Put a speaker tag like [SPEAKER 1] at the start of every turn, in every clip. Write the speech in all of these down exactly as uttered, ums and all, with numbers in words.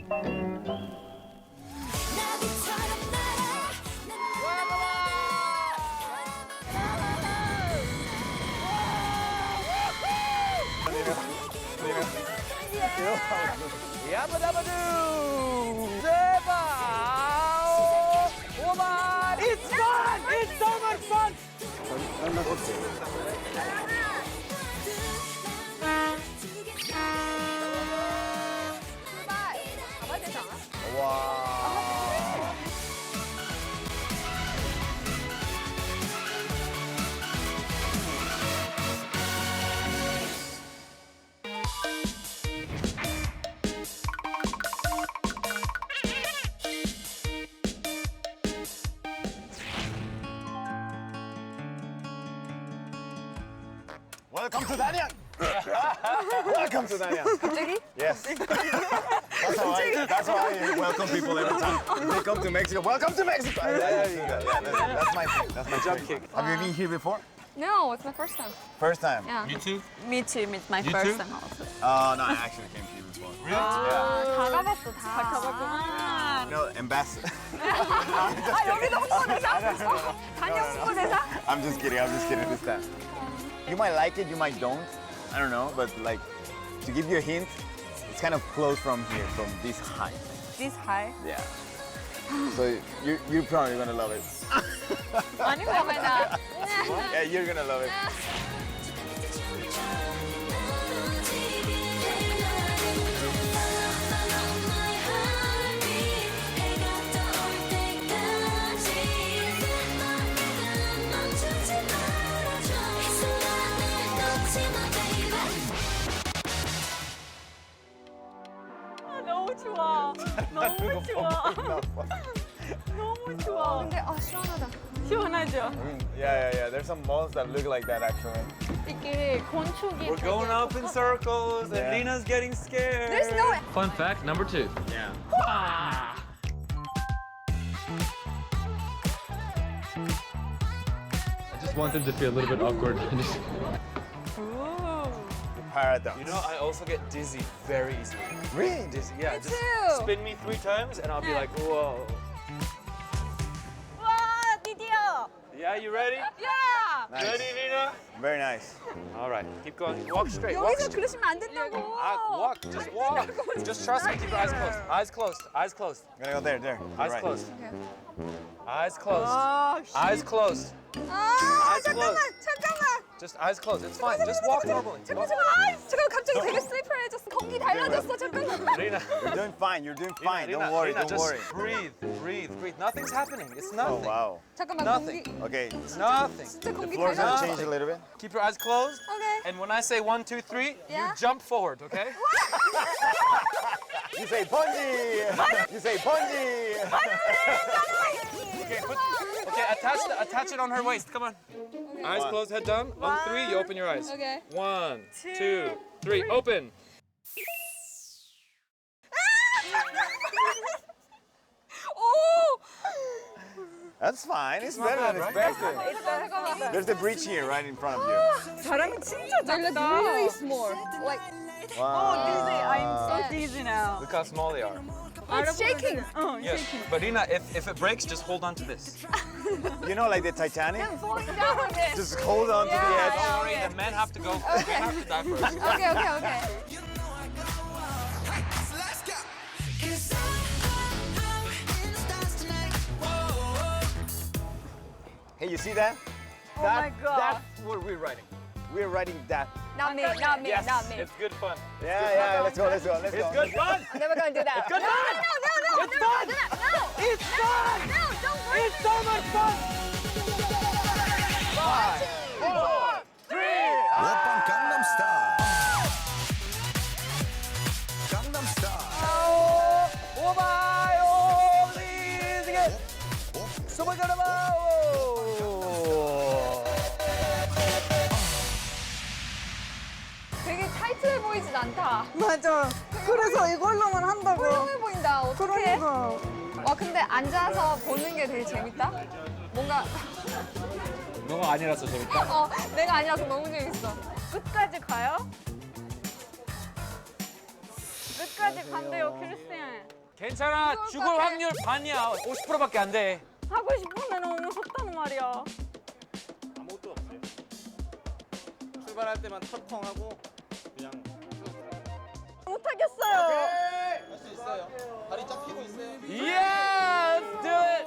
[SPEAKER 1] 야바다바두 제발 오만 It's fun! It's so much fun!
[SPEAKER 2] 가봐야 되지 않아?
[SPEAKER 1] 와. Welcome to Danyang. Welcome to Danyang.
[SPEAKER 2] 갑자기?
[SPEAKER 1] Yes. That's how I, that's how I welcome people every time. They come to Mexico. Welcome to Mexico. There you go. Yeah, that's, that's my thing. That's my jump kick. Have you been here before?
[SPEAKER 2] No, it's my first time.
[SPEAKER 1] First time.
[SPEAKER 2] Yeah.
[SPEAKER 3] You too?
[SPEAKER 4] Me too. It's my
[SPEAKER 3] You
[SPEAKER 4] first
[SPEAKER 3] too?
[SPEAKER 4] time also.
[SPEAKER 1] Oh no, I actually came here before.
[SPEAKER 3] Really?
[SPEAKER 1] Yeah.
[SPEAKER 2] 다 가봤어, 다.
[SPEAKER 4] 다 가봤구나.
[SPEAKER 1] No, ambassador.
[SPEAKER 2] 아, 여기도 홍보대사? 단역 홍보대사?
[SPEAKER 1] I'm just kidding. I'm just kidding this time. You might like it. You might don't. I don't know. But like, to give you a hint, it's kind of close from here, from this height.
[SPEAKER 2] This high?
[SPEAKER 1] Yeah. So you you're probably gonna love it.
[SPEAKER 2] 아니, 그러면
[SPEAKER 1] Yeah, you're gonna love it.
[SPEAKER 4] 너무 좋아. 너무 좋아. 너무 좋아.
[SPEAKER 2] 근데 아, 시원하다.
[SPEAKER 4] 시원하죠?
[SPEAKER 1] Yeah, yeah, yeah. There's some malls that look like that actually.
[SPEAKER 4] 이게 건축이
[SPEAKER 3] We're going up in circles
[SPEAKER 1] Yeah.
[SPEAKER 3] and Lina's getting scared.
[SPEAKER 2] There's no
[SPEAKER 5] Fun fact number two.
[SPEAKER 1] Yeah.
[SPEAKER 5] I just wanted to feel a little bit awkward.
[SPEAKER 1] Paradox.
[SPEAKER 3] You know, I also get dizzy very easily.
[SPEAKER 1] Really?
[SPEAKER 3] Dizzy, yeah.
[SPEAKER 2] Me
[SPEAKER 3] just
[SPEAKER 2] too.
[SPEAKER 3] spin me three times and I'll be like, whoa.
[SPEAKER 4] 와, 드디어.
[SPEAKER 3] Yeah, you ready?
[SPEAKER 2] 야!
[SPEAKER 1] Nice.
[SPEAKER 3] Ready, Lina?
[SPEAKER 1] Very nice.
[SPEAKER 3] All right, keep going. Walk straight. Walk
[SPEAKER 2] 여기서
[SPEAKER 3] straight.
[SPEAKER 2] 그러시면 안 된다고.
[SPEAKER 3] Ah, walk. Just walk. Just trust me. Keep your eyes closed. Eyes closed. Eyes closed.
[SPEAKER 1] I'm gonna go there, there.
[SPEAKER 3] Eyes
[SPEAKER 1] Right.
[SPEAKER 3] closed. Eyes closed.
[SPEAKER 4] 아,
[SPEAKER 3] Eyes closed.
[SPEAKER 2] 아,
[SPEAKER 3] Eyes
[SPEAKER 2] 잠깐만,
[SPEAKER 3] closed.
[SPEAKER 2] 잠깐만.
[SPEAKER 3] Just eyes closed. It's fine. Just walk normally.
[SPEAKER 2] 잠깐만,
[SPEAKER 3] Walk.
[SPEAKER 2] 잠깐만. 잠깐 갑자기 되게 슬리퍼해졌어. 공기 달라졌어. 잠깐만.
[SPEAKER 3] Lina.
[SPEAKER 1] You're doing fine. You're doing fine.
[SPEAKER 3] Lina,
[SPEAKER 1] Don't worry.
[SPEAKER 3] Lina,
[SPEAKER 1] Don't
[SPEAKER 3] just
[SPEAKER 1] worry.
[SPEAKER 3] breathe, breathe, breathe. Nothing's happening. It's
[SPEAKER 1] Oh
[SPEAKER 3] nothing.
[SPEAKER 1] wow.
[SPEAKER 2] 잠깐만
[SPEAKER 3] Nothing.
[SPEAKER 2] 공기.
[SPEAKER 1] Okay.
[SPEAKER 3] Nothing.
[SPEAKER 2] 진짜
[SPEAKER 1] The
[SPEAKER 2] 공기
[SPEAKER 1] floor's gonna
[SPEAKER 2] 달라졌어.
[SPEAKER 1] change a little bit.
[SPEAKER 3] Keep your eyes closed.
[SPEAKER 2] Okay.
[SPEAKER 3] And when I say one, two, three,
[SPEAKER 2] Yeah.
[SPEAKER 3] you jump forward, okay?
[SPEAKER 1] You say bungee. You say bungee.
[SPEAKER 3] Okay, put, okay, attach the, attach it on her waist. Come on. Eyes
[SPEAKER 1] One.
[SPEAKER 3] closed, head down. On three, you open your eyes.
[SPEAKER 2] Okay.
[SPEAKER 3] One, two, three, open.
[SPEAKER 2] 오!
[SPEAKER 1] That's fine. It's better than expected.
[SPEAKER 2] 잠깐만.
[SPEAKER 1] There's the bridge here, right in front of you.
[SPEAKER 4] 사람이 진짜
[SPEAKER 2] Like
[SPEAKER 4] 작다.
[SPEAKER 2] really small. Like
[SPEAKER 1] Wow.
[SPEAKER 4] dizzy. I'm so
[SPEAKER 2] Yeah.
[SPEAKER 4] dizzy now.
[SPEAKER 3] Look how small they are.
[SPEAKER 2] it's shaking.
[SPEAKER 4] 어,
[SPEAKER 3] Yes, but Ina, if, if it breaks, just hold on to this.
[SPEAKER 1] You know, like the Titanic.
[SPEAKER 2] Falling down with it.
[SPEAKER 1] Just hold on to the
[SPEAKER 2] Yeah,
[SPEAKER 1] edge.
[SPEAKER 3] Don't worry, the men have to go. The men have to die first.
[SPEAKER 2] Okay, okay, okay.
[SPEAKER 1] Hey, you see that?
[SPEAKER 4] Oh
[SPEAKER 1] that
[SPEAKER 4] my God.
[SPEAKER 1] That's what we're writing. We're writing that.
[SPEAKER 2] Not me, not me,
[SPEAKER 3] Yes,
[SPEAKER 2] not me.
[SPEAKER 3] it's good fun.
[SPEAKER 1] Yeah, yeah. Let's go. Let's go. Let's go.
[SPEAKER 3] It's good fun.
[SPEAKER 2] I'm never gonna do that.
[SPEAKER 3] good
[SPEAKER 2] no,
[SPEAKER 3] fun.
[SPEAKER 2] no, no, no,
[SPEAKER 3] It's
[SPEAKER 2] never
[SPEAKER 3] fun.
[SPEAKER 2] gonna do that. No,
[SPEAKER 3] It's fun.
[SPEAKER 2] no, don't worry.
[SPEAKER 3] It's so much fun. Five, four, three.
[SPEAKER 6] 오빤 강남스타일 강남스타일
[SPEAKER 1] 오마요, 리즈게. 소마가라마.
[SPEAKER 2] 되게 타이트해 보이진 않다.
[SPEAKER 4] 맞아. 그래서 이걸로만 한다고.
[SPEAKER 2] 훌륭해 보인다. 어떡해?
[SPEAKER 4] 그러니까.
[SPEAKER 2] 와, 근데 앉아서 보는 게 되게 재밌다. 뭔가
[SPEAKER 3] 너가 아니라서 재밌다.
[SPEAKER 2] 어, 내가 아니라서 너무 재밌어.
[SPEAKER 4] 끝까지 가요? 끝까지 간대요, 크리스티안.
[SPEAKER 3] 괜찮아.
[SPEAKER 2] 죽을
[SPEAKER 3] 죽을
[SPEAKER 2] 것 같아.
[SPEAKER 3] 확률 반이야. 오십 퍼센트밖에 안 돼.
[SPEAKER 4] 하고 싶으면 너무 무섭다는 말이야.
[SPEAKER 1] 아무것도 없어요. 출발할 때만 턱통하고 그냥
[SPEAKER 4] 못하겠어요.
[SPEAKER 1] 할 수 있어요. 다리 쫙 펴고 있어요.
[SPEAKER 3] Yeah, let's do it.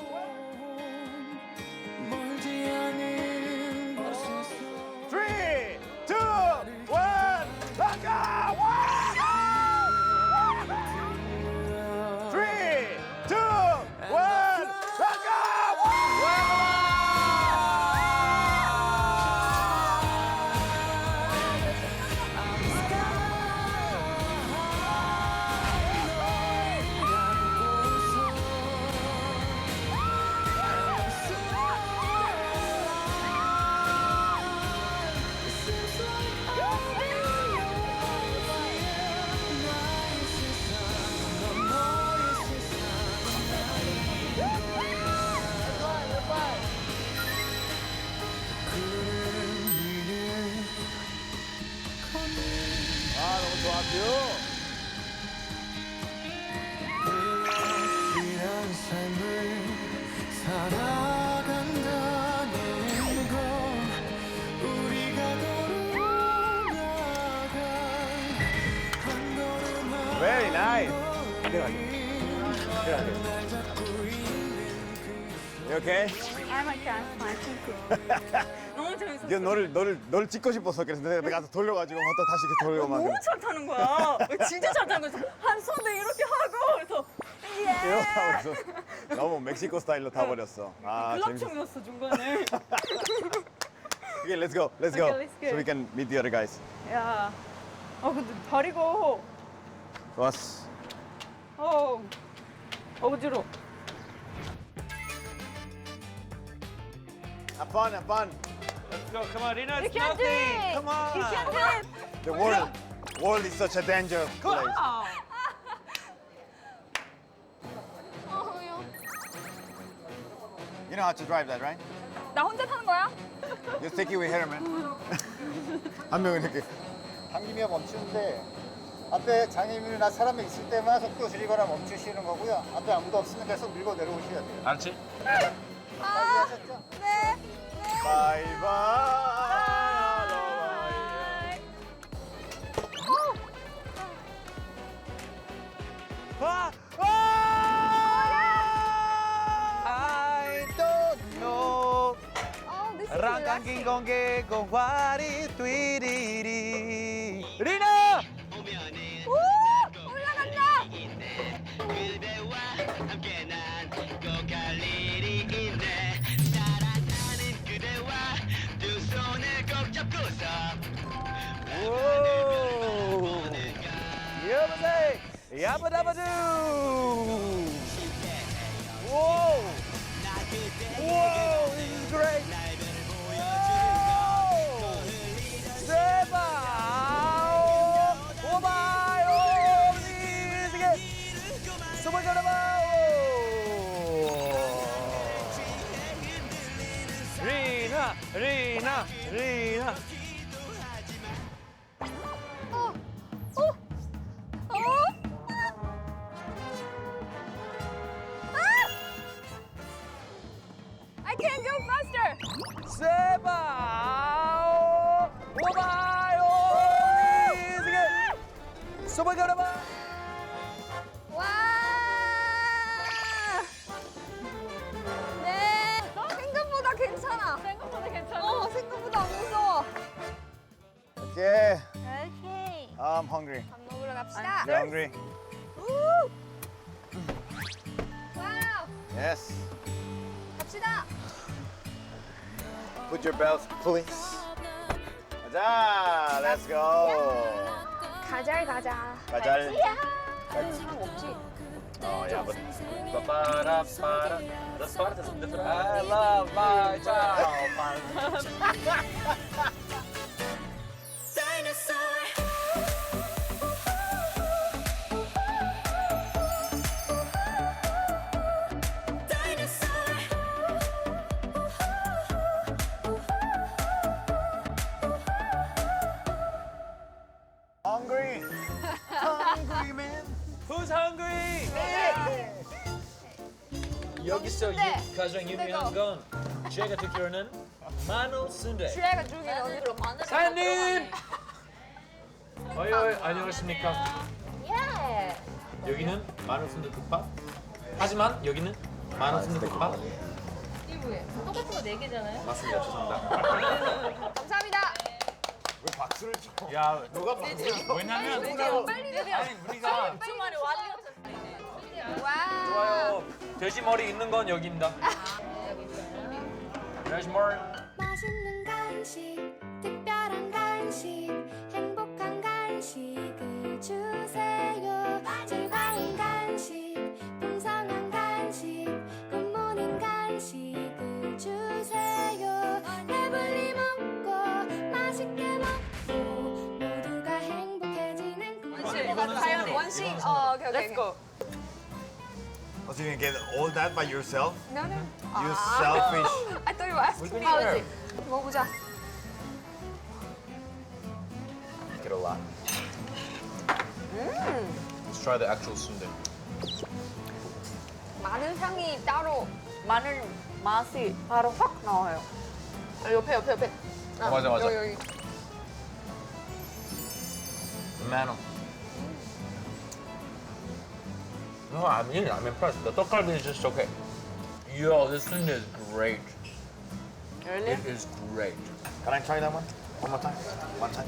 [SPEAKER 1] Three, two, one, let's go! Three, two, one, let's go! 아, 너무 좋았고요.
[SPEAKER 7] 이런 삶을 살아간다는 건 우리가 걸어나간 한 걸음
[SPEAKER 1] Very nice. You okay?
[SPEAKER 4] I'm okay, I'm fine, thank you. 너무 재밌었어.
[SPEAKER 1] 이게 너를 너를 너를 찍고 싶었어. 그래서 내가 가서 돌려가지고 또 다시 이렇게 돌리고 막.
[SPEAKER 4] 너무 잘 타는 거야. 진짜 잘 타는 거야. 한 손에 이렇게 하고 그래서 예.
[SPEAKER 1] 그래서 너무 멕시코 스타일로 타버렸어. 아 재밌어.
[SPEAKER 4] 글락춤이었어 중간에.
[SPEAKER 1] Okay, let's go. Let's go.
[SPEAKER 4] Okay, let's go.
[SPEAKER 1] So we can meet the other guys.
[SPEAKER 4] 야, 어 근데 다리가
[SPEAKER 1] 좋았어.
[SPEAKER 4] 어 어지러.
[SPEAKER 1] Have fun, have fun.
[SPEAKER 3] Let's go. Come on, Rina.
[SPEAKER 4] You
[SPEAKER 3] It's
[SPEAKER 4] can do
[SPEAKER 3] nothing.
[SPEAKER 4] it.
[SPEAKER 1] Come on.
[SPEAKER 4] You can do it.
[SPEAKER 1] The world, world is such a danger place.
[SPEAKER 2] 어휴.
[SPEAKER 1] You know how to drive that, right?
[SPEAKER 2] 나 혼자 타는 거야?
[SPEAKER 1] Just take it with her, man. 한 명은 이렇게.
[SPEAKER 8] 당기며 멈추는데 앞에 장애인이나 사람이 있을 때만 속도 줄이거나 멈추시는 거고요. 앞에 아무도 없으면 계속 밀고 내려오셔야 돼요.
[SPEAKER 3] 알았지?
[SPEAKER 2] 아,
[SPEAKER 8] 하셨죠?
[SPEAKER 2] 네.
[SPEAKER 1] 바이바이. 아! 아! I don't know.
[SPEAKER 2] Oh, this is
[SPEAKER 1] 랑강긴
[SPEAKER 2] relaxing.
[SPEAKER 1] 공개 공화리 뛰리리. 리나!
[SPEAKER 2] 우! 올라간다.
[SPEAKER 1] 오! 야바세! 야바다바두! Whoa! Whoa! This is great! Whoa! 대박! 오마이! 오! 미치게! 소바자라바! 리나! 리나! 리나!
[SPEAKER 2] 어. 어. 어. 아! I can't go faster.
[SPEAKER 1] 제발! 오마이! 오! 미치게! 소바자라바!
[SPEAKER 2] 와. 네. 생각보다 괜찮아.
[SPEAKER 4] 생각보다 괜찮아.
[SPEAKER 2] 어, 생각보다 안 무서워.
[SPEAKER 1] Okay,
[SPEAKER 2] 오케이.
[SPEAKER 1] I'm hungry.
[SPEAKER 2] 밥 먹으러 갑시다.
[SPEAKER 1] You're hungry?
[SPEAKER 2] 우! 와우.
[SPEAKER 1] Yes.
[SPEAKER 2] 갑시다.
[SPEAKER 1] Put your belts, please. 가자, let's go.
[SPEAKER 2] 가잘 가자.
[SPEAKER 1] 가잘.
[SPEAKER 2] 야. 사람 없지?
[SPEAKER 1] 어, 야, but
[SPEAKER 3] Para, para. That's part of the I love my child.
[SPEAKER 1] hungry. Hungry man.
[SPEAKER 3] Who's hungry?
[SPEAKER 1] Me,
[SPEAKER 5] 여기서 유,
[SPEAKER 2] 순대.
[SPEAKER 5] 가장 유명한 건 제가 듣기로는 마늘 순대.
[SPEAKER 2] 주애가 주기 너무
[SPEAKER 4] 그럼 마늘.
[SPEAKER 5] 사장님! 어이 어이 안녕하십니까?
[SPEAKER 4] 예.
[SPEAKER 5] 여기는 마늘 순대 국밥. 하지만 여기는 마늘 순대 국밥.
[SPEAKER 4] 이브에 똑같은 거 네 개잖아요.
[SPEAKER 5] 맞습니다. 죄송합니다.
[SPEAKER 2] 감사합니다.
[SPEAKER 1] 왜 박수를 쳐?
[SPEAKER 5] 야,
[SPEAKER 1] 누가 박수를 쳐?
[SPEAKER 5] 왜냐면
[SPEAKER 4] 빨리 내려.
[SPEAKER 5] 아니 우리가
[SPEAKER 4] 주말에 완료.
[SPEAKER 2] 와.
[SPEAKER 5] 좋아요. 돼지 머리 있는 건 여기입니다. 돼지 머리.
[SPEAKER 9] 맛있는 간식, 특별한 간식, 행복한 간식을 주세요. 즐거운 간식, 풍성한 간식, 굿모닝 간식을 주세요. 배불리 먹고 맛있게 먹고 모두가 행복해지는
[SPEAKER 5] 이거는 손으로.
[SPEAKER 2] 원식.
[SPEAKER 5] 이거는
[SPEAKER 2] 어, 오케이, 오케이.
[SPEAKER 4] Let's go.
[SPEAKER 1] Oh, so you can get all that by yourself?
[SPEAKER 2] No, no.
[SPEAKER 1] You selfish.
[SPEAKER 2] I thought you were asking me.
[SPEAKER 5] 아, 그치.
[SPEAKER 2] 먹어보자.
[SPEAKER 5] Get a lot. Let's try the actual sundae.
[SPEAKER 2] 마늘 향이 따로.
[SPEAKER 4] 마늘 맛이 바로 확 나와요.
[SPEAKER 2] 아, 옆에, 옆에, 옆에. 아,
[SPEAKER 5] 어, 맞아, 맞아.
[SPEAKER 2] 여기, 여기.
[SPEAKER 5] Mano. No, I mean, I'm impressed. The tteokgalbi is just okay. Yo, this sundae is great.
[SPEAKER 4] Really?
[SPEAKER 5] It is great.
[SPEAKER 1] Can I try that one? One more time? One time?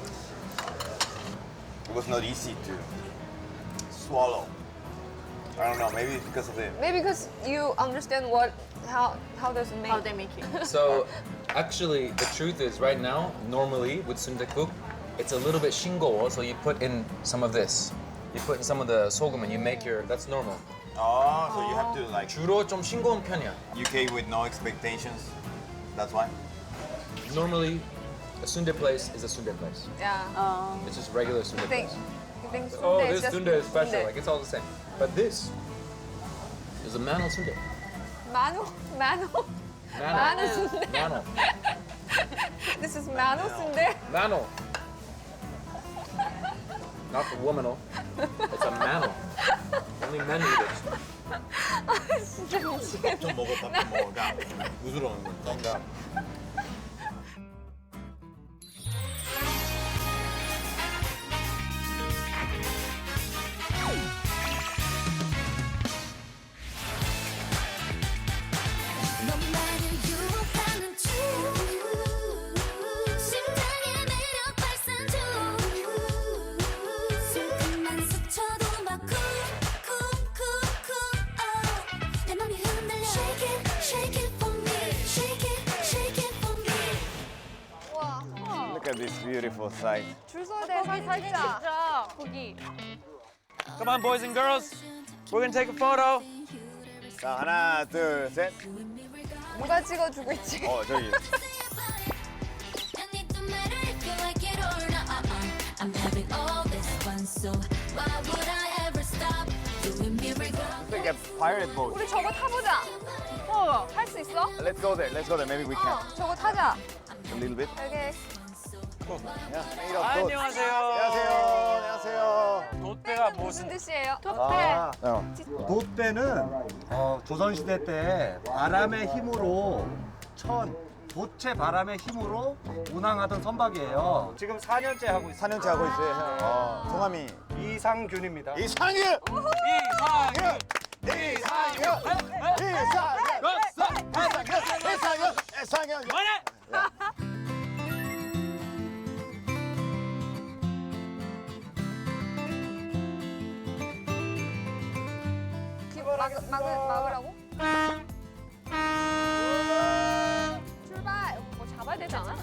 [SPEAKER 1] It was not easy to swallow. I don't know, maybe it's because of the...
[SPEAKER 2] Maybe because you understand what, how, how does it make.
[SPEAKER 4] How they make it.
[SPEAKER 5] So, actually, the truth is, right now, normally with sundaekguk, it's a little bit shingo, so you put in some of this. You put in some of the sorghum and you make your. That's normal.
[SPEAKER 1] Oh, so you have to like
[SPEAKER 5] 주로 좀 싱거운 편이야.
[SPEAKER 1] U K with no expectations. That's why.
[SPEAKER 5] Normally, a sundae place is a sundae place.
[SPEAKER 2] Yeah.
[SPEAKER 4] 어.
[SPEAKER 5] It's just regular sundae
[SPEAKER 2] You think,
[SPEAKER 5] place.
[SPEAKER 2] you think
[SPEAKER 5] Oh,
[SPEAKER 2] sundae
[SPEAKER 5] this
[SPEAKER 2] is just
[SPEAKER 5] sundae is special.
[SPEAKER 2] sundae.
[SPEAKER 5] Like it's all the same. But this is a mano sundae.
[SPEAKER 2] Mano, mano,
[SPEAKER 5] Mano.
[SPEAKER 2] mano sundae.
[SPEAKER 5] Mano.
[SPEAKER 2] This is mano sundae.
[SPEAKER 5] Mano. Not the womanal. It's a mano. Only men eat it.
[SPEAKER 2] 진짜 미치겠네.
[SPEAKER 1] 좀 먹어, 밥 좀 먹어. 가. 부스러운 거.
[SPEAKER 5] 정답.
[SPEAKER 9] 너만을 유혹하는 중 심장의 매력 발산 중 슬픔만 스쳐도 막 쿵쿵쿵쿵 내 맘이 흔들려 Shake it, shake it for me Shake it, shake it for me
[SPEAKER 2] 와,
[SPEAKER 1] Look at this beautiful sight.
[SPEAKER 2] 줄 서야 돼, 사진 찍자.
[SPEAKER 4] 진짜 거기.
[SPEAKER 3] Come on, boys and girls. We're gonna take a photo.
[SPEAKER 1] 자, 하나, 둘, 셋.
[SPEAKER 2] 누가 찍어주고 있지?
[SPEAKER 1] 어, 저기.
[SPEAKER 9] And it don't matter if you like it or not I'm having all this fun so why would I ever stop doing me regardless
[SPEAKER 1] Look at pirate boat.
[SPEAKER 2] 우리 저거 타보자. 어, 할 수 있어?
[SPEAKER 1] Let's go there. Let's go there. Maybe we can.
[SPEAKER 2] 어, 저거 타자.
[SPEAKER 1] A little bit.
[SPEAKER 2] 여기.
[SPEAKER 1] Yeah. made of boat.
[SPEAKER 3] 안녕하세요.
[SPEAKER 1] 안녕하세요. 안녕하세요.
[SPEAKER 3] 돛대가
[SPEAKER 2] 무슨
[SPEAKER 3] 무슨
[SPEAKER 2] 뜻이에요?
[SPEAKER 1] 아, 어.
[SPEAKER 10] 돛대는 어, 조선시대 때 바람의 힘으로 천, 돛체 바람의 힘으로 운항하던 선박이에요.
[SPEAKER 3] 지금 사 년째 하고 있어요.
[SPEAKER 1] 사 년째 하고 있어요. 어, 성함이
[SPEAKER 10] 이상균입니다.
[SPEAKER 1] 이상윤.
[SPEAKER 3] 이상윤.
[SPEAKER 1] 이상윤. 이상윤. 이상윤. 이상윤.
[SPEAKER 3] 뭐래?
[SPEAKER 2] 막, 막, 막으라고? 출발! 뭐 잡아야 되지 않아?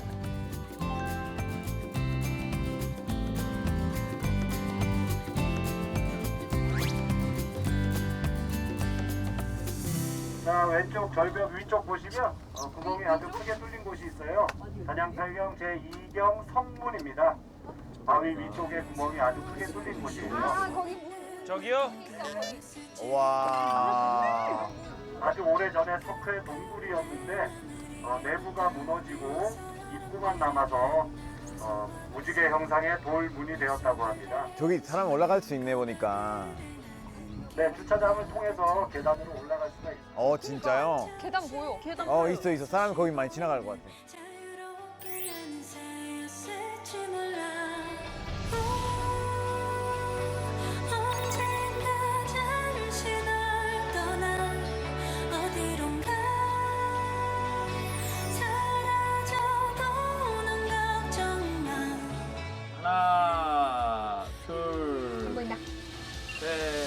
[SPEAKER 11] 자, 왼쪽 절벽 위쪽 보시면 어, 구멍이 아주 크게 뚫린 곳이 있어요. 단양탈경 제이경 성문입니다. 바위 위쪽에 구멍이 아주 크게 뚫린 곳이에요.
[SPEAKER 2] 아, 거기 문
[SPEAKER 3] 저기요.
[SPEAKER 2] 있어, 거기.
[SPEAKER 1] 와.
[SPEAKER 11] 아주 오래전에 석회 동굴이었는데 어, 내부가 무너지고 입구만 남아서 어, 무지개 형상의 돌문이 되었다고 합니다.
[SPEAKER 1] 저기 사람 올라갈 수 있네 보니까.
[SPEAKER 11] 네, 주차장을 통해서 계단으로 올라갈 수가 있습니다.
[SPEAKER 1] 어 진짜요?
[SPEAKER 2] 계단 보여.
[SPEAKER 4] 계단
[SPEAKER 1] 어 있어 있어. 사람이 거기 많이 지나갈 것 같아.
[SPEAKER 9] 자유롭게 나는 새였을지 몰라 언젠가 잠시 널 떠나 어디론가 사라져도 넌 걱정 마
[SPEAKER 3] 하나, 둘,
[SPEAKER 2] 보인다.
[SPEAKER 3] 셋.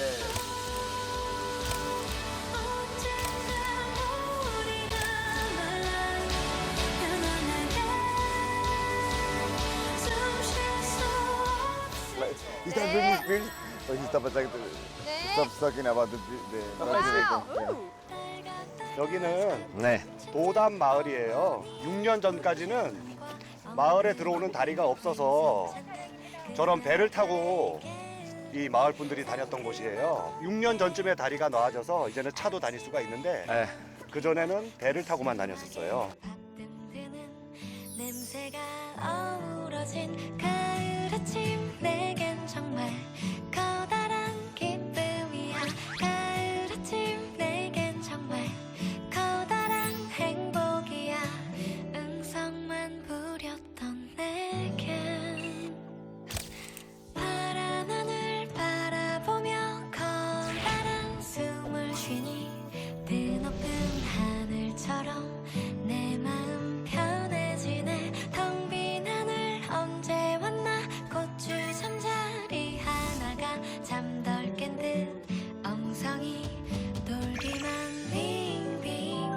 [SPEAKER 9] 언젠가 우리가 말라 영원하게 숨 쉴 수 없을
[SPEAKER 1] He's not bringing spirits, but he stopped like
[SPEAKER 2] 네.
[SPEAKER 1] stop talking about the the.
[SPEAKER 2] 와우.
[SPEAKER 10] 여기는
[SPEAKER 1] 네.
[SPEAKER 10] 도담 마을이에요. 육 년 전까지는 마을에 들어오는 다리가 없어서 저런 배를 타고 이 마을 분들이 다녔던 곳이에요. 육 년 전쯤에 다리가 나아져서 이제는 차도 다닐 수가 있는데
[SPEAKER 1] 네.
[SPEAKER 10] 그 전에는 배를 타고만 다녔었어요.
[SPEAKER 9] 드는 냄새가 어우러진 가을 아침 내겐 정말 커다란 기쁨이야 가을 아침 내겐 정말 커다란 행복이야 응성만 부렸던 내겐 파란 하늘 바라보며 커다란 숨을 쉬니 드높은 하늘처럼 내 마음 편해지네 텅 빈 하늘 언제 왔나 고추 잠자리 하나가 잠덜 깬 듯 엉성이 돌기만 빙빙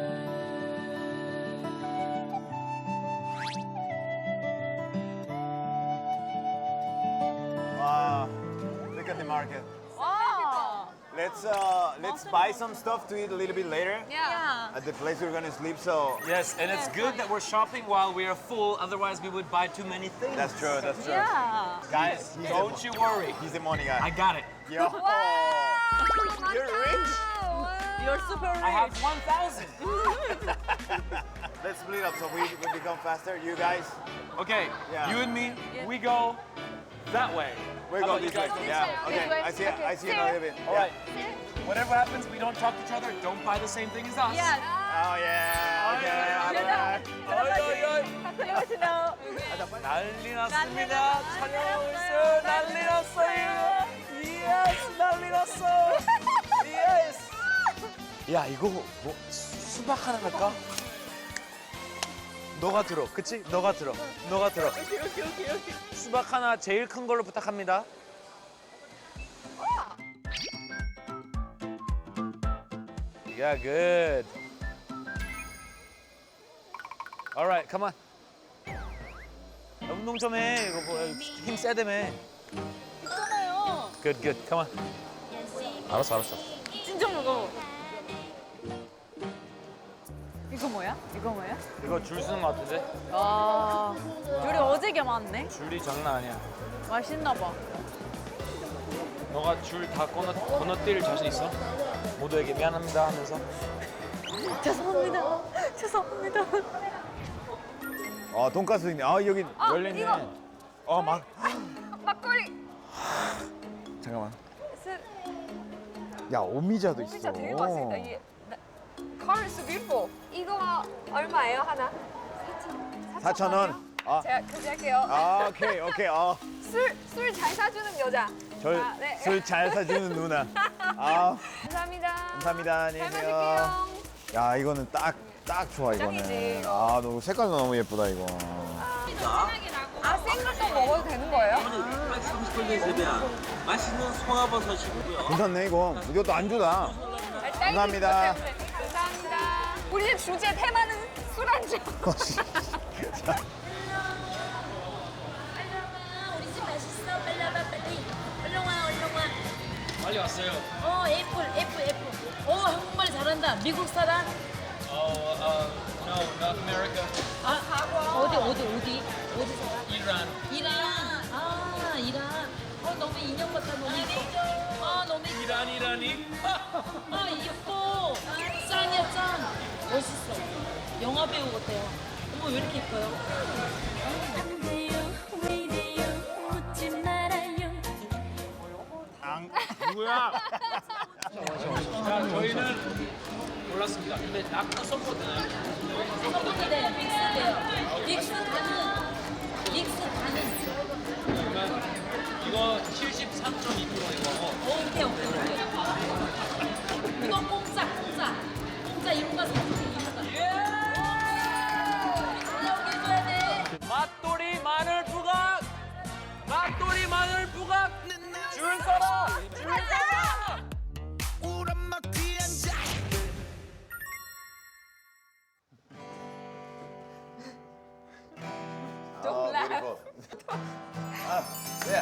[SPEAKER 1] Wow. Look at the market.
[SPEAKER 4] 와.
[SPEAKER 1] Let's uh let's buy some stuff to eat a little bit later
[SPEAKER 2] 야.
[SPEAKER 1] at the place we're gonna sleep. So
[SPEAKER 3] Yes, and it's good that we're shopping while we are full. Otherwise, we would buy too many things.
[SPEAKER 1] that's true. That's true.
[SPEAKER 4] 야.
[SPEAKER 1] Guys, he's
[SPEAKER 3] Don't
[SPEAKER 1] the,
[SPEAKER 3] you worry.
[SPEAKER 1] he's the money guy.
[SPEAKER 3] I got it.
[SPEAKER 1] Yo. You're rich.
[SPEAKER 4] You're super rich.
[SPEAKER 3] I have one thousand.
[SPEAKER 1] Let's split up so we, we become faster. You guys,
[SPEAKER 3] Okay,
[SPEAKER 1] Yeah.
[SPEAKER 3] you and me, we go that way.
[SPEAKER 1] we're
[SPEAKER 3] How
[SPEAKER 1] going
[SPEAKER 3] about
[SPEAKER 1] this
[SPEAKER 3] you
[SPEAKER 1] way.
[SPEAKER 3] guys go this
[SPEAKER 1] Yeah.
[SPEAKER 3] way?
[SPEAKER 1] Okay.
[SPEAKER 2] This way.
[SPEAKER 1] I see.
[SPEAKER 2] Okay.
[SPEAKER 1] I see
[SPEAKER 2] See
[SPEAKER 1] another
[SPEAKER 2] ya.
[SPEAKER 1] bit.
[SPEAKER 3] All
[SPEAKER 1] Yeah.
[SPEAKER 3] right. Whatever happens, we don't talk to each other. Don't buy the same thing as us.
[SPEAKER 4] Yes.
[SPEAKER 1] Oh yeah. Okay. alright.
[SPEAKER 3] 어이, 어이,
[SPEAKER 4] Hello.
[SPEAKER 3] 난리 났습니다. 촬영하고 있어요. 난리 났어요. 예스, 난리 났어. 예스. 야, 이거 뭐 수- 수박 하나 갈까? 너가 들어, 그치? 너가 들어, 너가 들어.
[SPEAKER 4] 오케이 오케이 오케이 오케이.
[SPEAKER 3] 수박 하나 제일 큰 걸로 부탁합니다. Yeah, good. All right, come on. 운동 좀 해. 이거 뭐힘 세다며.
[SPEAKER 4] 있잖아요.
[SPEAKER 3] Good, good. Come on. 알았어, 알았어.
[SPEAKER 4] 진짜 무거워. 이거 뭐야? 이거 뭐야?
[SPEAKER 3] 이거 줄 서는 것 같은데?
[SPEAKER 4] 아, 줄이 어제게 많네.
[SPEAKER 3] 줄이 장난 아니야.
[SPEAKER 4] 맛있나 봐.
[SPEAKER 3] 너가 줄 다 건너, 건너뛸 자신 있어? 모두에게 미안합니다 하면서.
[SPEAKER 4] 죄송합니다. 죄송합니다.
[SPEAKER 1] 아 돈가스 있네. 아 여기
[SPEAKER 2] 아,
[SPEAKER 1] 열렸네.
[SPEAKER 2] 이거.
[SPEAKER 1] 어 막.
[SPEAKER 2] 막걸리.
[SPEAKER 1] 잠깐만.
[SPEAKER 2] 스-
[SPEAKER 1] 야 오미자도 있어.
[SPEAKER 2] 진짜 되게 맛있다. 이게 Color is beautiful. 이거 얼마예요 하나?
[SPEAKER 1] 사천 원. 아,
[SPEAKER 2] 제가 결제할게요.
[SPEAKER 1] 아 오케이 오케이. 어.
[SPEAKER 2] 술술 잘 사주는 여자. 아, 네.
[SPEAKER 1] 저술 잘 사주는 누나. 아
[SPEAKER 2] 감사합니다.
[SPEAKER 1] 감사합니다. 안녕히
[SPEAKER 2] 잘
[SPEAKER 1] 계세요.
[SPEAKER 2] 마실게요.
[SPEAKER 1] 야 이거는 딱 딱 좋아 이거는.
[SPEAKER 2] 짱이지.
[SPEAKER 1] 아 너무 색깔도 너무 예쁘다 이거.
[SPEAKER 2] 아 생물도 먹어도 되는 거예요?
[SPEAKER 12] 맛있는 송화버섯이고요.
[SPEAKER 1] 괜찮네 이거. 이것도 안주다. 감사합니다.
[SPEAKER 2] 감사합니다. 우리 집 주제 테마는 술안주.
[SPEAKER 9] 우리 집 맛있어 빨리 와봐 빨리 얼른 와 얼른 와
[SPEAKER 3] 빨리 왔어요.
[SPEAKER 9] 어 애플 애플 애플 어 한국말 잘한다 미국 사람
[SPEAKER 3] 어, 어, no, North America.
[SPEAKER 9] 아 어디 어디 어디 어디 살아
[SPEAKER 3] 이란.
[SPEAKER 9] 이란 아 이란 어 너무 인형 같아 너무 이뻐 아 너무 이뻐
[SPEAKER 3] 이란, 이란이?
[SPEAKER 9] 아 이뻐 짱이야 짱 멋있어 영화 배우 같아요 어머 왜 이렇게 이뻐요 안 돼요 왜 이래요 묻지 말아요
[SPEAKER 1] 앙. 누구야?
[SPEAKER 3] 자, 저희는 몰랐습니다. 근데 낙도 섞거든요.
[SPEAKER 4] 네, 믹스돼요. 믹스가는 믹스가는.
[SPEAKER 3] 그러면 이거 칠십삼 점 이 퍼센트인 거고.
[SPEAKER 4] 오케이 오케이 오케이. 이거 공짜 공짜 공짜 이런 거 사실 이런 거. 여기 줘야 돼.
[SPEAKER 3] 맛돌이 마늘 부각! 맛돌이 마늘 부각! 줄 서라! 줄 서라!
[SPEAKER 7] 우리 엄마 귀한 자
[SPEAKER 1] Oh, beautiful. Ah, yeah.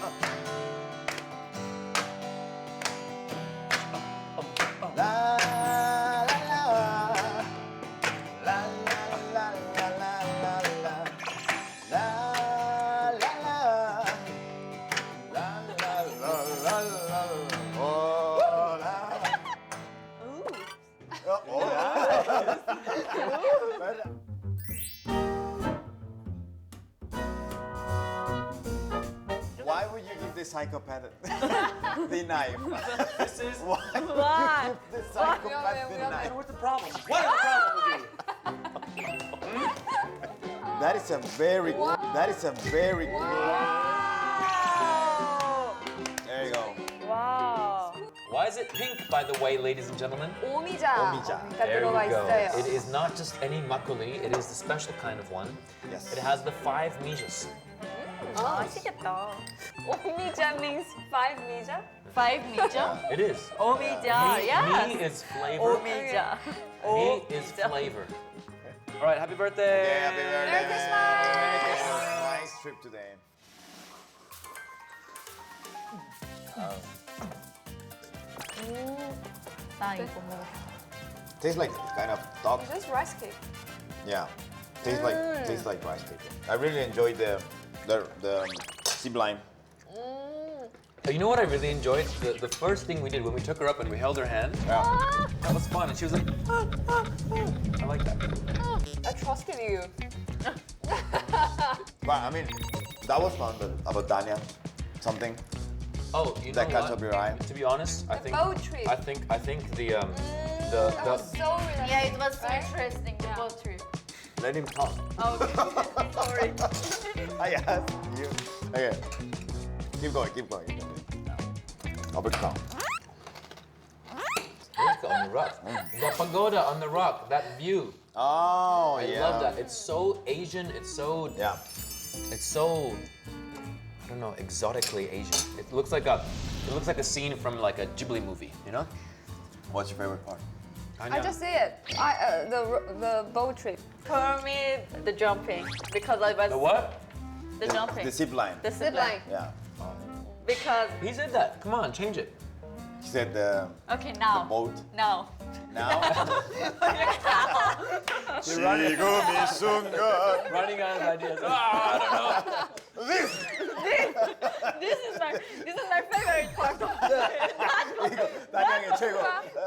[SPEAKER 1] La la la la la la la la la la la la la la la la la. Oh, la. Oh, oh. Why would you give this psychopath the knife?
[SPEAKER 3] This is
[SPEAKER 1] Why would
[SPEAKER 4] Why?
[SPEAKER 1] you give this psychopath the knife?
[SPEAKER 3] what's the problem? What is the problem with you?
[SPEAKER 1] That is a very, that is a very good. There you go.
[SPEAKER 4] 와.
[SPEAKER 5] Why is it pink, by the way, ladies and gentlemen?
[SPEAKER 2] 오미자.
[SPEAKER 1] 오미자.
[SPEAKER 2] 가
[SPEAKER 5] There you
[SPEAKER 2] 들어가
[SPEAKER 5] go.
[SPEAKER 2] 있어요.
[SPEAKER 5] It is not just any makgeolli, it is the special kind of one.
[SPEAKER 1] Yes.
[SPEAKER 5] It has the five mijas.
[SPEAKER 4] 아, 맛있겠다.
[SPEAKER 2] 오미자 means five 미자?
[SPEAKER 4] Five 미죠?
[SPEAKER 5] It is.
[SPEAKER 4] 오미자.
[SPEAKER 5] Mi,
[SPEAKER 4] Yes.
[SPEAKER 5] mi is flavor.
[SPEAKER 4] 오미자.
[SPEAKER 5] Mi is flavor. All right, happy birthday.
[SPEAKER 1] Yeah, happy birthday.
[SPEAKER 2] Merry Christmas.
[SPEAKER 1] Merry Christmas. Nice trip today.
[SPEAKER 4] 나 이거 먹어.
[SPEAKER 1] Tastes like kind of dog.
[SPEAKER 2] Is this rice cake?
[SPEAKER 1] Yeah. Tastes like tastes like rice cake. I really enjoyed the the the zip line.
[SPEAKER 5] Oh, you know what I really enjoyed? The, the first thing we did when we took her up and we held her hand.
[SPEAKER 1] Yeah.
[SPEAKER 5] That was fun. And she was like, ah, ah, ah. I like that.
[SPEAKER 2] I trusted you.
[SPEAKER 1] But I mean, that was fun. But about Danya, something
[SPEAKER 5] Oh, you know
[SPEAKER 1] that caught
[SPEAKER 5] what?
[SPEAKER 1] up your eye.
[SPEAKER 5] To be honest, I
[SPEAKER 2] The
[SPEAKER 5] think
[SPEAKER 2] boat trip.
[SPEAKER 5] I think I think the um the
[SPEAKER 2] That
[SPEAKER 5] the
[SPEAKER 2] was so relaxing.
[SPEAKER 4] Yeah, it was so
[SPEAKER 2] right?
[SPEAKER 4] interesting. The boat trip.
[SPEAKER 1] Let him talk.
[SPEAKER 4] Okay. Sorry.
[SPEAKER 1] I asked you. Okay. Keep going. Keep going. Keep going. Albert Town.
[SPEAKER 5] Look on the rock. The pagoda on the rock. That view.
[SPEAKER 1] Oh
[SPEAKER 5] I
[SPEAKER 1] yeah.
[SPEAKER 5] love that. It's so Asian. It's so
[SPEAKER 1] Yeah.
[SPEAKER 5] it's so I don't know, exotically Asian. It looks like a it looks like a scene from like a Ghibli movie. You know?
[SPEAKER 1] What's your favorite part?
[SPEAKER 2] I just see it. I, uh, the the boat trip.
[SPEAKER 4] For me, the jumping because I was
[SPEAKER 5] The what?
[SPEAKER 4] the jumping.
[SPEAKER 1] The zip line.
[SPEAKER 4] The
[SPEAKER 2] Zip
[SPEAKER 4] zip
[SPEAKER 2] line.
[SPEAKER 4] line.
[SPEAKER 1] Yeah.
[SPEAKER 4] Because
[SPEAKER 5] He said that. Come on, change it.
[SPEAKER 1] He said the
[SPEAKER 4] okay now.
[SPEAKER 1] boat.
[SPEAKER 4] Now.
[SPEAKER 1] Now.
[SPEAKER 5] running.
[SPEAKER 1] 지금 이 순간.
[SPEAKER 5] Running out of ideas. Ah, I don't know.
[SPEAKER 1] This.
[SPEAKER 4] This is my this is my favorite part of
[SPEAKER 1] 이거 단양의 최고.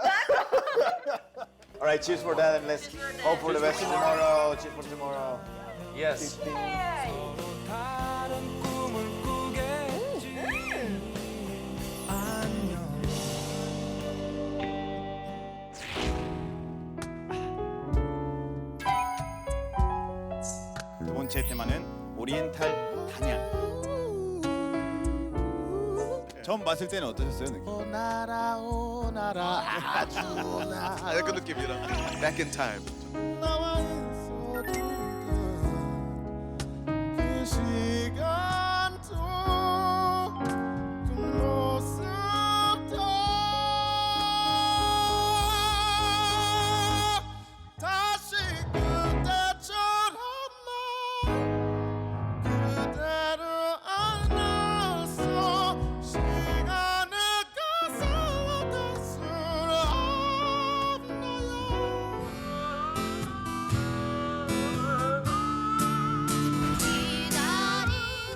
[SPEAKER 1] All right, cheers for that, and let's hope for the best tomorrow. Cheers for tomorrow.
[SPEAKER 5] Yes.
[SPEAKER 7] 다른 꿈을 꾸겠지 안녕
[SPEAKER 13] 두 번째 테마는 오리엔탈 단양. 처음 봤을 때는 어떠셨어요, 느낌?
[SPEAKER 7] 오나라 오나라 아주 오나
[SPEAKER 13] 약간 느낌이라. Back in time.
[SPEAKER 7] 나와 있어도 그 시간도 그 모습도 다시 그때처럼만 그대를 안아서 시간을 가서워둘 수 없나요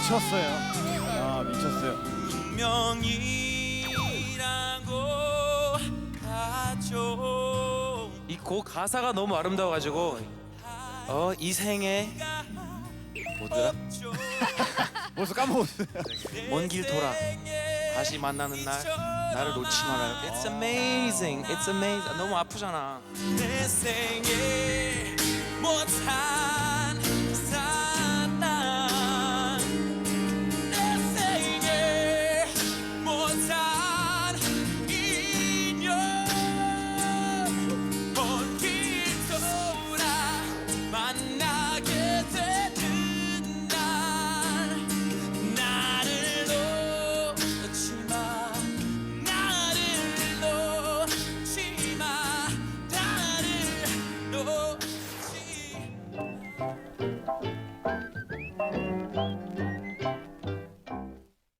[SPEAKER 13] 미쳤어요. 아 미쳤어요.
[SPEAKER 3] 이 곡 가사가 너무 아름다워가지고 어 이 생에 뭐더라?
[SPEAKER 13] 벌써 까먹었어요.
[SPEAKER 3] 먼 길 돌아 다시 만나는 날 나를 놓지 말아요. It's amazing, it's amazing. 너무 아프잖아.
[SPEAKER 7] 내 생에 뭐 다